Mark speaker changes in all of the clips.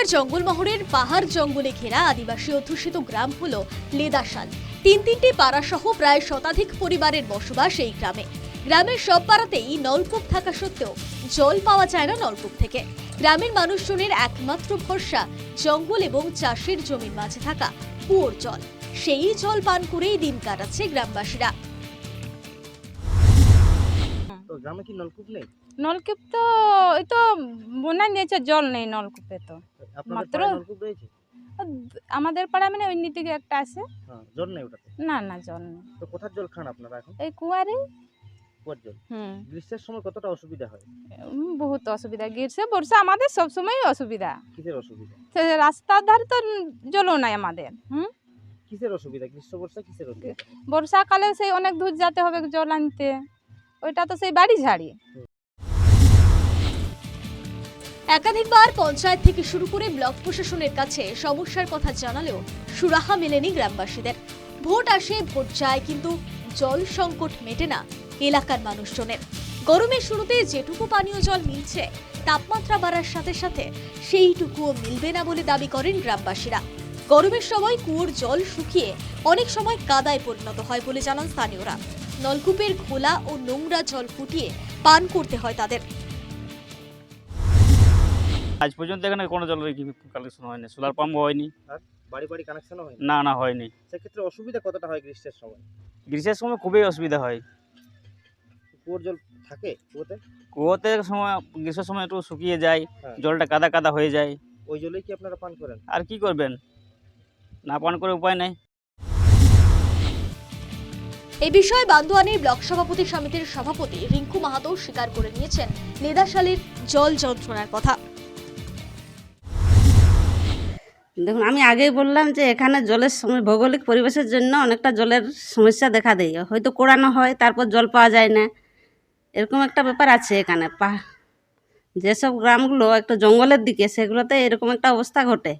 Speaker 1: পুরুলিয়ার জঙ্গলমহলের পাহাড় জঙ্গলে ঘেরা আদিবাসী অধ্যুষিত গ্রাম হল লেদাশাল। তিনটি পাড়া সহ প্রায় শতাধিক পরিবারের বসবাস এই গ্রামে। গ্রামের সব পাড়াতেই নলকূপ থাকা সত্ত্বেও জল পাওয়া যায় না নলকূপ থেকে। গ্রামের মানুষজনের একমাত্র ভরসা জঙ্গল এবং চাষের জমির মাঝে থাকা কুয়োর জল। সেই জল পান করেই দিন কাটাচ্ছে গ্রামবাসীরা।
Speaker 2: তো গ্রামে কি নলকূপ নেই?
Speaker 3: নলকূপ তো ওই তো বন্যা নিয়েছে, জল নেই নলকূপে। তো
Speaker 2: আপনাদের
Speaker 3: মাত্র
Speaker 2: পাড়ায় নলকূপ রয়েছে?
Speaker 3: আমাদের পাড়া মানে ওই দিকে একটা আছে।
Speaker 2: হ্যাঁ, জল নেই ওটাতে?
Speaker 3: না জল নেই।
Speaker 2: তো কোথার জল খান আপনারা এখন?
Speaker 3: এই কুয়ারে।
Speaker 2: কুয়ার জল। গ্রীষ্মের সময় কতটা অসুবিধা হয়?
Speaker 3: বহুত অসুবিধা। গ্রীষ্ম বর্ষা আমাদের সবসময় অসুবিধা।
Speaker 2: কিসের অসুবিধা?
Speaker 3: রাস্তার ধারে তো জলও নাই আমাদের।
Speaker 2: কিসের অসুবিধা? গ্রীষ্ম বর্ষা কিসের অসুবিধা?
Speaker 3: বর্ষাকালে সেই অনেক দূর যেতে হবে জল আনতে, ওইটা তো সেই বাড়ি ঝাড়ি।
Speaker 1: একাধিকবার পঞ্চায়েত থেকে শুরু করে ব্লক প্রশাসনের কাছে সমস্যার কথা জানালেও সুরাহা মেলেনি গ্রামবাসীদের। ভোট আসে ভোট যায়, কিন্তু জল সংকট মেটে না এলাকার মানুষজনের। গরমের শুরুতে যেটুকু পানীয় জল মিলছে, তাপমাত্রা বাড়ার সাথে সাথে সেইটুকুও মিলবে না বলে দাবি করেন গ্রামবাসীরা। গরমের সময় কুয়োর জল শুকিয়ে অনেক সময় কাদায় পরিণত হয় বলে জানান স্থানীয়রা। নলকূপের ঘোলা ও নোংরা জল ফুটিয়ে পান করতে হয় তাদের।
Speaker 4: আজ পর্যন্ত এখানে কোনো জলের কালেকশন হয়নি, সোলার পাম্প হয়নি,
Speaker 2: আর বাড়ি বাড়ি কানেকশনও হয়
Speaker 4: না হয়নি।
Speaker 2: সেক্ষেত্রে অসুবিধা কতটা হয় গ্রীষ্মের সময়?
Speaker 4: গ্রীষ্মের সময় খুবই অসুবিধা হয়।
Speaker 2: কুয়োর জল থাকে কুয়োতে?
Speaker 4: কুয়োতে সময় গ্রীষ্মের সময় একটু শুকিয়ে যায়,
Speaker 2: হ্যাঁ।
Speaker 4: জলটা কাদা কাদা হয়ে যায়।
Speaker 2: ওই জলেই কি আপনারা পান করেন?
Speaker 4: আর কি করবেন, না পান করে উপায় নেই।
Speaker 1: এই বিষয়ে বান্দোয়ানের ব্লক সভাপতি সমিতির সভাপতি রিঙ্কু মাহাতো স্বীকার করে নিয়েছেন লেদাশালের জল যন্ত্রণার কথা।
Speaker 5: দেখুন, আমি আগেই বললাম যে এখানে জলের সময় ভৌগোলিক পরিবেশের জন্য অনেকটা জলের সমস্যা দেখা দেয়। হয়তো কোড়ানো হয়, তারপর জল পাওয়া যায় না, এরকম একটা ব্যাপার আছে এখানে। যেসব গ্রামগুলো একটু জঙ্গলের দিকে, সেগুলোতে এরকম একটা অবস্থা ঘটে।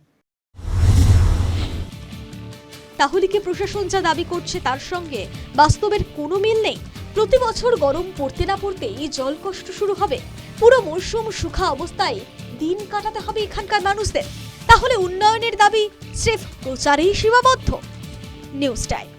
Speaker 1: তাহলে কি প্রশাসন যা দাবি করছে তার সঙ্গে বাস্তবের কোনো মিল নেই? প্রতি বছর গরম পড়তে না পড়তেই জল কষ্ট শুরু হবে। পুরো মরশুম শুখা অবস্থায় দিন কাটাতে হবে এখানকার মানুষদের। তাহলে উন্নয়নের দাবি স্রেফ প্রচারেই সীমাবদ্ধ? News time.